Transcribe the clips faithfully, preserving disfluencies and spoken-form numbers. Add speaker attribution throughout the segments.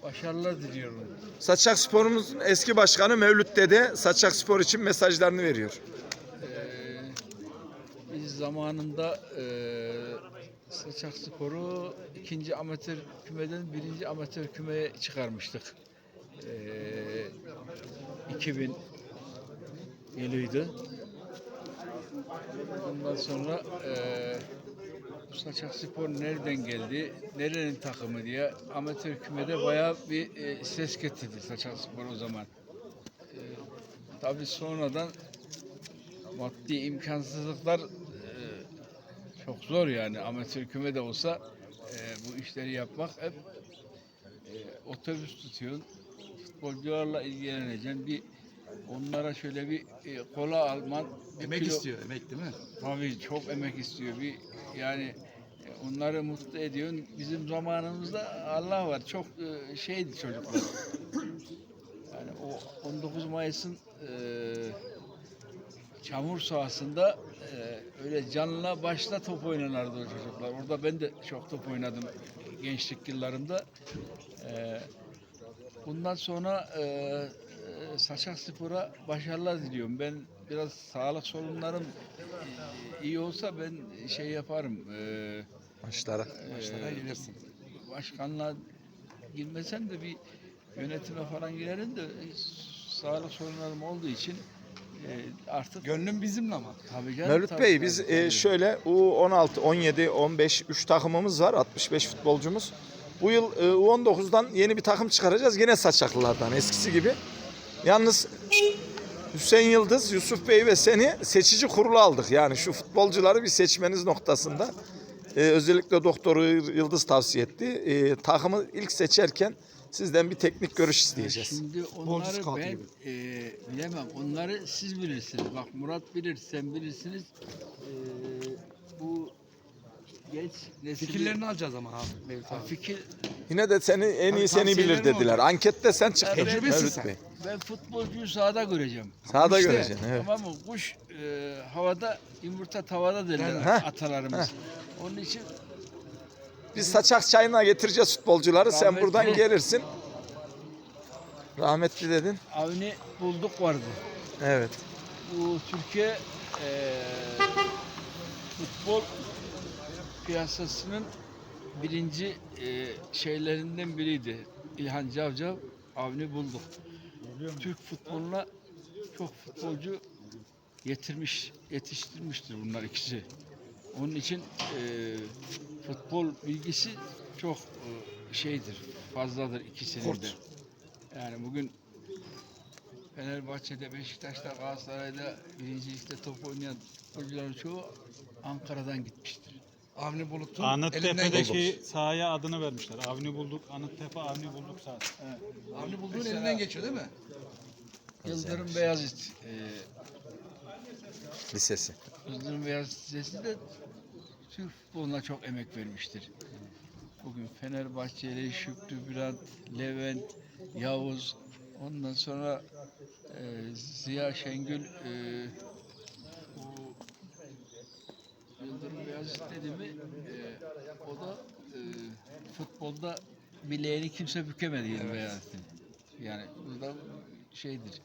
Speaker 1: Başarılar diliyorum.
Speaker 2: Saçakspor'umuzun eski başkanı Mevlüt Dede Saçakspor için mesajlarını veriyor.
Speaker 1: Ee, biz zamanında e, Saçakspor'u ikinci amatör kümeden birinci amatör kümeye çıkarmıştık. Ee, iki bin yılıydı. Ondan sonra e, Saçakspor nereden geldi, nerenin takımı diye amatör kümede bayağı bir e, ses getirdi Saçakspor o zaman. E, tabii sonradan maddi imkansızlıklar e, çok zor yani amatör küme de olsa e, bu işleri yapmak hep e, otobüs tutuyorsun, futbolcularla ilgileneceksin, bir onlara şöyle bir e, kola alman, bir
Speaker 3: Emek
Speaker 1: kilo-
Speaker 3: istiyor, emek değil mi?
Speaker 1: Tabii çok emek istiyor. Bir yani e, onları mutlu ediyorsun. Bizim zamanımızda Allah var. Çok e, şeydi çocuklar. Yani o on dokuz Mayıs'ın e, çamur sahasında e, öyle canla başla top oynanardı o çocuklar. Orada ben de çok top oynadım gençlik yıllarımda. E, bundan sonra e, e, Saçakspor'a başarılar diliyorum. Ben biraz sağlık sorunlarım e, iyi olsa ben şey yaparım. E,
Speaker 2: Maçlara.
Speaker 3: Maçlara gelirsin.
Speaker 1: başkanlığa girmesem de bir yönetime falan girerim de e, sağlık sorunlarım olduğu için e, artık
Speaker 3: Gönlüm bizimle ama.
Speaker 1: tabii canım,
Speaker 2: Mevlüt
Speaker 1: tabii,
Speaker 2: Bey
Speaker 1: tabii,
Speaker 2: biz
Speaker 1: tabii.
Speaker 2: e, şöyle U on altı, on yedi, on beş üç takımımız var. altmış beş futbolcumuz. Bu yıl e, U on dokuzdan yeni bir takım çıkaracağız. Yine Saçaklılardan eskisi gibi. Yalnız Hüseyin Yıldız, Yusuf Bey ve seni seçici kurulu aldık. Yani şu futbolcuları bir seçmeniz noktasında. Ee, özellikle Doktor Yıldız tavsiye etti. Ee, takımı ilk seçerken sizden bir teknik görüş isteyeceğiz.
Speaker 1: Şimdi
Speaker 3: Futbolcu
Speaker 1: onları
Speaker 3: scout
Speaker 1: ben
Speaker 3: gibi.
Speaker 1: e, bilemem. Onları siz bilirsiniz. Bak Murat bilir, sen bilirsiniz. E, bu genç nesili...
Speaker 3: Fikirlerini alacağız ama abi Mevlüt
Speaker 1: Ha,
Speaker 3: abi.
Speaker 1: fikir,
Speaker 2: Yine de seni en iyi
Speaker 3: Tabii
Speaker 2: seni bilir
Speaker 3: tavsiyelerin
Speaker 2: dediler.
Speaker 3: olacak.
Speaker 2: Ankette sen çıktın
Speaker 1: Evet.
Speaker 3: Tecrübesin
Speaker 2: Mevlüt
Speaker 3: sen.
Speaker 2: Bey.
Speaker 1: ben futbolcuyu sahada göreceğim.
Speaker 2: Sağda
Speaker 3: İşte.
Speaker 2: göreceksin. Evet.
Speaker 1: Tamam mı? Kuş e, havada, yumurta tavada derler
Speaker 3: Derler.
Speaker 2: Heh,
Speaker 1: atalarımız. Onun için
Speaker 2: Biz Saçak çayına getireceğiz futbolcuları. Sen
Speaker 1: Rahmetli-
Speaker 2: buradan gelirsin. Rahmetli dedin.
Speaker 1: Avni bulduk vardı.
Speaker 2: Evet.
Speaker 1: Bu Türkiye e, futbol piyasasının birinci e, şeylerinden biriydi. İlhan Cavcav, Avni bulduk. Türk futboluna çok futbolcu getirmiş, yetiştirmiştir bunlar ikisi. Onun için e, futbol bilgisi çok e, şeydir, fazladır ikisinin
Speaker 3: Kurt.
Speaker 1: de. Yani bugün Fenerbahçe'de, Beşiktaş'ta, Galatasaray'da birincilikte top oynayan futbolcuların çoğu Ankara'dan gitmiştir.
Speaker 3: Avni Bulut'un elinden geçmiş.
Speaker 4: Anıttepe'deki sahaya adını vermişler. Avni bulduk, Anıttepe Avni bulduk sahası.
Speaker 3: Avni Bulut'un elinden geçiyor değil mi?
Speaker 1: Yıldırım Beyazıt, e,
Speaker 2: Lisesi.
Speaker 1: Yıldırım Beyazıt Lisesi de Türk futboluna çok emek vermiştir. Bugün Fenerbahçeli, Şükrü Bülent, Levent, Yavuz, ondan sonra e, Ziya Şengül, e, bu Yıldırım Beyazıt dedi mi, e, o da e, futbolda bileğini kimse bükemedi Yıldırım Beyazıt'ın. Yani bu da şeydir.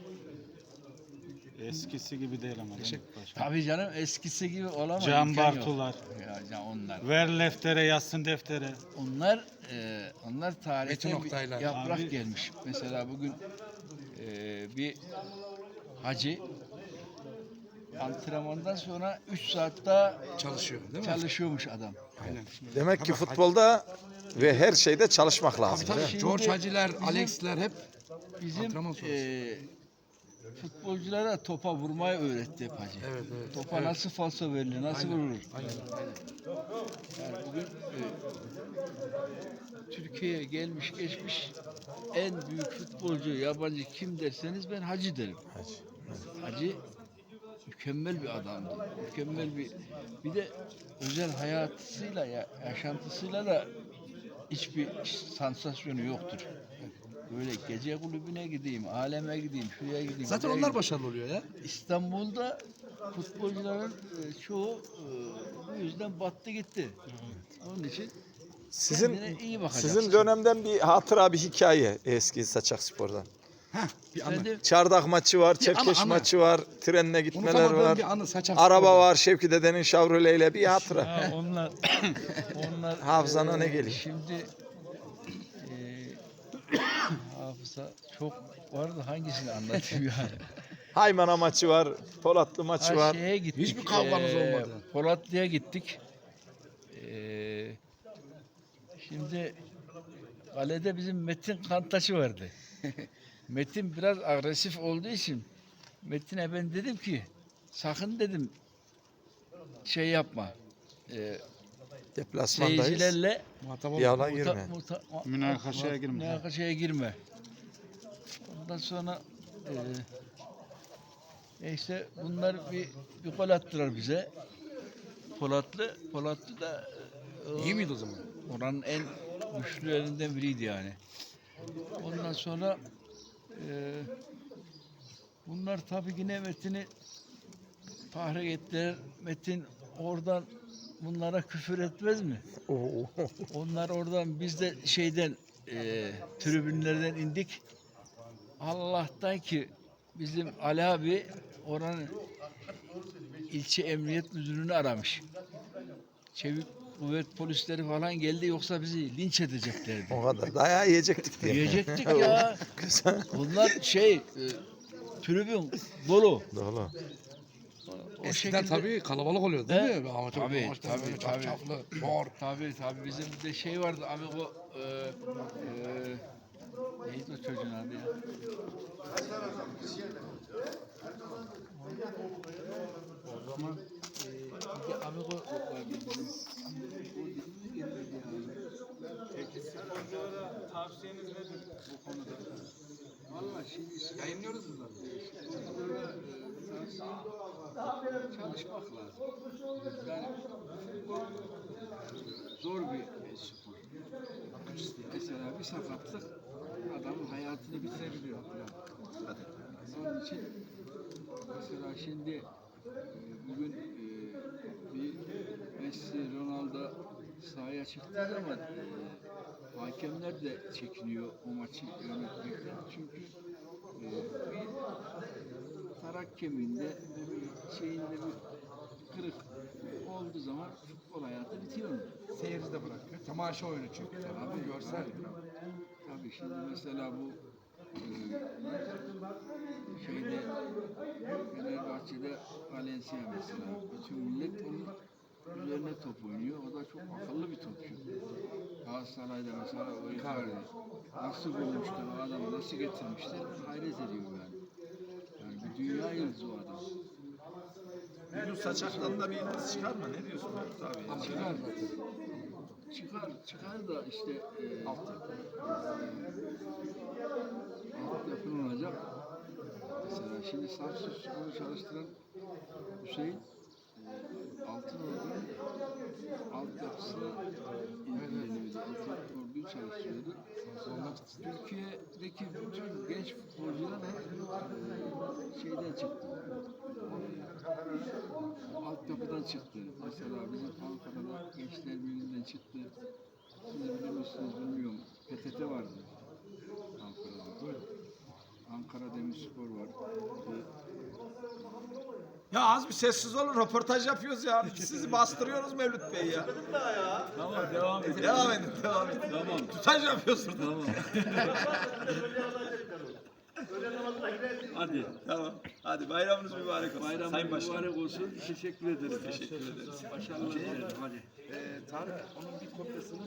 Speaker 4: Eskisi gibi değil ama. değil mi paşam?
Speaker 1: Tabii canım eskisi gibi olamaz.
Speaker 4: Can
Speaker 1: imkan yok.
Speaker 4: Bartular.
Speaker 1: Ya, ya onlar.
Speaker 4: Ver leftere yazsın deftere.
Speaker 1: Onlar e, onlar
Speaker 3: Metin
Speaker 1: tarihte bir
Speaker 3: Oktaylar.
Speaker 1: yaprak
Speaker 4: Abi-
Speaker 1: gelmiş. Mesela bugün e, bir hacı antrenmandan sonra üç saat daha
Speaker 3: Çalışıyor değil mi?
Speaker 1: çalışıyormuş adam.
Speaker 3: Aynen.
Speaker 2: Demek ki
Speaker 3: Tabii,
Speaker 2: futbolda ve her şeyde çalışmak lazım.
Speaker 3: Tabii
Speaker 2: değil mi?
Speaker 3: tabii.
Speaker 1: Şimdi
Speaker 3: George Haciler,
Speaker 1: bizim-
Speaker 3: Alex'ler hep
Speaker 1: Bizim
Speaker 3: Antrenman sonrası.
Speaker 1: e, futbolculara topa vurmayı öğretti hep hacı.
Speaker 3: Evet, evet.
Speaker 1: Topa
Speaker 3: Evet.
Speaker 1: nasıl falso verilir, nasıl
Speaker 3: Aynen,
Speaker 1: vurulur.
Speaker 3: aynen.
Speaker 1: Yani bugün e, Türkiye'ye gelmiş geçmiş en büyük futbolcu yabancı kim derseniz ben Hacı derim. Hacı mükemmel bir adamdı. Mükemmel bir bir de özel hayatıyla ya, yaşantısıyla da hiçbir sansasyonu yoktur. Böyle gece kulübüne gideyim, aleme gideyim, şuraya gideyim.
Speaker 3: Zaten
Speaker 1: buraya
Speaker 3: onlar
Speaker 1: gideyim.
Speaker 3: başarılı oluyor ya.
Speaker 1: İstanbul'da futbolcuların e, çoğu e, bu yüzden battı gitti. Onun için
Speaker 2: Sizin
Speaker 1: Kendine iyi bakacaksın.
Speaker 2: sizin dönemden bir hatıra, bir hikaye eski Saçakspor'dan.
Speaker 3: Bir anı.
Speaker 1: Efendim,
Speaker 2: Çardak maçı var,
Speaker 3: Bir
Speaker 2: Çerkeş
Speaker 3: anı, anı.
Speaker 2: maçı var, trenle gitmeler
Speaker 3: Unutamadığım
Speaker 2: var.
Speaker 3: bir anı Saçak
Speaker 2: Araba
Speaker 3: Spor'da.
Speaker 2: var, Şevki dedenin Chevrolet ile bir hatıra.
Speaker 1: ha, onlar onlar
Speaker 2: Hafızana
Speaker 1: e,
Speaker 2: ne geliyor?
Speaker 1: Şimdi e, hafıza çok vardı, hangisini anlatayım yani?
Speaker 2: Haymana maçı var, Polatlı maçı
Speaker 1: Ha,
Speaker 2: var.
Speaker 1: şeye gittik.
Speaker 3: Hiçbir kavganız
Speaker 1: e,
Speaker 3: olmadı.
Speaker 1: Polatlı'ya gittik. E, şimdi kalede bizim Metin Kantaşı vardı. Metin biraz agresif olduğu için Metin'e ben dedim ki sakın dedim şey yapma. E,
Speaker 2: Deplasmandayız.
Speaker 1: seyircilerle
Speaker 3: Muhatap olma.
Speaker 2: Yala
Speaker 1: muta-
Speaker 2: girme.
Speaker 1: muta- mu-
Speaker 4: Münakaşaya
Speaker 1: mu-
Speaker 4: girme.
Speaker 1: Münakaşaya girme. Ondan sonra e, e işte bunlar bir bir gol attılar bize. Polatlı, Polatlı da e,
Speaker 3: İyi miydi o zaman?
Speaker 1: oranın en güçlülerinden biriydi yani. Ondan sonra e, bunlar tabii yine Metin'i tahrik ettiler. Metin oradan bunlara küfür etmez mi?
Speaker 2: Oo.
Speaker 1: Onlar oradan biz de şeyden e, tribünlerden indik. Allah'tan ki bizim Ali abi oranın ilçe emniyet müdürünü aramış. Çevik kuvvet polisleri falan geldi, yoksa bizi linç edeceklerdi.
Speaker 2: O kadar. Dayağı yiyecektik diye.
Speaker 1: Yiyecektik ya.
Speaker 2: Güzel.
Speaker 1: Onlar şey e, tribün dolu.
Speaker 2: Doğru.
Speaker 1: O
Speaker 3: Eskiden tabii kalabalık oluyordu değil
Speaker 1: He?
Speaker 3: mi? Amatör
Speaker 1: Tabii,
Speaker 3: maçlar
Speaker 1: tabii,
Speaker 3: böyle
Speaker 1: tabii.
Speaker 3: çapçaplı, mor.
Speaker 1: Tabii tabii, bizim de şey vardı amigo e, e, neydi o çocuğun adı ya? O zaman e, bir de amigo vardı bizim. O dilimiz gelmedi ya.
Speaker 4: Tavsiyeniz nedir bu konuda?
Speaker 1: Valla şimdi
Speaker 3: Yayınlıyoruz bunları.
Speaker 1: çalışmak lazım. Yani zor bir e, spor. Mesela bir sakatlık adamın hayatını bitirebiliyor. Onun için mesela şimdi e, bugün e, bir Messi, Ronaldo sahaya çıktığı zaman e, hakemler de çekiniyor o maçı yönetmekten. Çünkü e, bir tarak kemiğinde ve bir şeyinde bir kırık olduğu zaman futbol hayatı bitiyor mu?
Speaker 3: Seyirci de bırakıyor. Temaşa oyunu çünkü. Abi görsel.
Speaker 1: Tabii şimdi mesela bu e, şeyde Fenerbahçe'de Valencia mesela bütün millet onun üzerine top oynuyor. O da çok akıllı bir topçu. Galatasaray'da mesela o Icardi nasıl bulmuşlar o adamı, nasıl getirmişler, hayret ediyorum yani. Yani bir dünya yıldızı o adam.
Speaker 2: Bir gün saçaktan da bir yıldız çıkar mı? Ne diyorsun abi?
Speaker 1: Ama çıkar zaten. Çıkar, çıkar da işte e, altyapı. Altyapı olacak. Mesela şimdi Samsun Spor'u çalıştıran Hüseyin e, Altınordu'nun altyapısını ilgileniyordu. Altınordu'yu çalıştırıyordu. Türkiye'deki bütün genç futbolcular hep e, şeyden çıktı. Altyapıdan çıktı. Mesela bizim Ankara'da Gençler Birliği'nden çıktı. Siz bilir misiniz bilmiyorum. P T T vardı Ankara'da. Ankara Demirspor var.
Speaker 2: Ya az bir sessiz olun, röportaj yapıyoruz ya. Sizi bastırıyoruz Mevlüt Bey ya.
Speaker 1: Tamam, devam edelim.
Speaker 2: Devam edin, devam edin.
Speaker 1: Tamam.
Speaker 2: Tutaj yapıyorsunuz.
Speaker 1: Tamam. Hadi.
Speaker 2: Tamam. Hadi bayramınız mübarek olsun.
Speaker 1: Bayram
Speaker 2: Sayın Başkanım.
Speaker 1: mübarek olsun. Teşekkür ederim. Teşekkür ederiz. Başarılar dilerim. Hadi.
Speaker 3: Ee, Tarık onun bir kopyasını